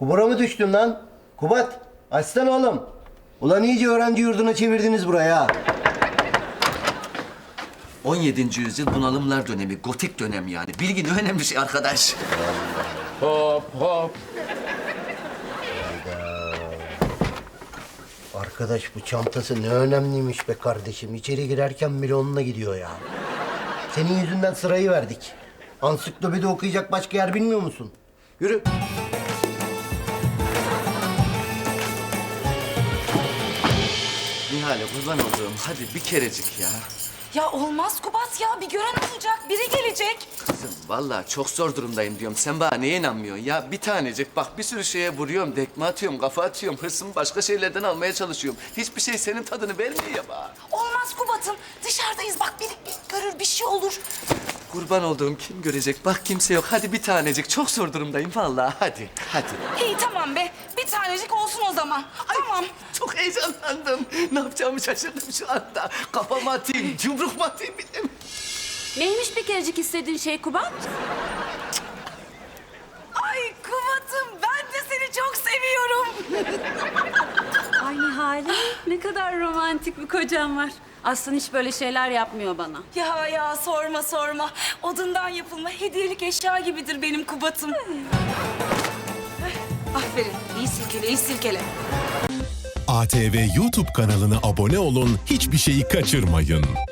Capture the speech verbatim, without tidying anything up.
Kubura mı düştün lan? Kubat, açsana oğlum. Ulan iyice öğrenci yurduna çevirdiniz buraya ha. on yedinci yüzyıl bunalımlar dönemi, gotik dönem yani. Bilgi ne önemli şey arkadaş. Hop hop. Arkadaş bu çantası ne önemliymiş be kardeşim. İçeri girerken bile onunla gidiyor ya. Senin yüzünden sırayı verdik. Ansiklopedi okuyacak başka yer bilmiyor musun? Yürü. Nihal'e kurban olduğum hadi bir kerecik ya. Ya olmaz Kubat ya. Bir gören olacak. Biri gelecek. Kızım vallahi çok zor durumdayım diyorum. Sen bana neye inanmıyorsun ya? Bir tanecik bak bir sürü şeye vuruyorum, dekme atıyorum, kafa atıyorum. Hırsımı başka şeylerden almaya çalışıyorum. Hiçbir şey senin tadını vermiyor ya bana. Olmaz Kubat'ım. Dışarıdayız. Bak biri bir görür bir şey olur. Kurban olduğum kim görecek? Bak kimse yok. Hadi bir tanecik. Çok zor durumdayım vallahi. Hadi, hadi. İyi tamam be. Bir tanecik olsun o zaman. Tamam. Çok heyecanlandım. Ne yapacağımı şaşırdım şu anda. Kafamı atayım, yumruk mu atayım bilmiyorum. Neymiş bir kerecik istediğin şey Kubat? Ay Kubat'ım ben de seni çok seviyorum. Ay Nihale, ne kadar romantik bir kocam var. Aslında hiç böyle şeyler yapmıyor bana. Ya ya sorma sorma. Odundan yapılma hediyelik eşya gibidir benim Kubat'ım. Aferin. İyi silkele, iyi silkele. A T V YouTube kanalına abone olun, hiçbir şeyi kaçırmayın.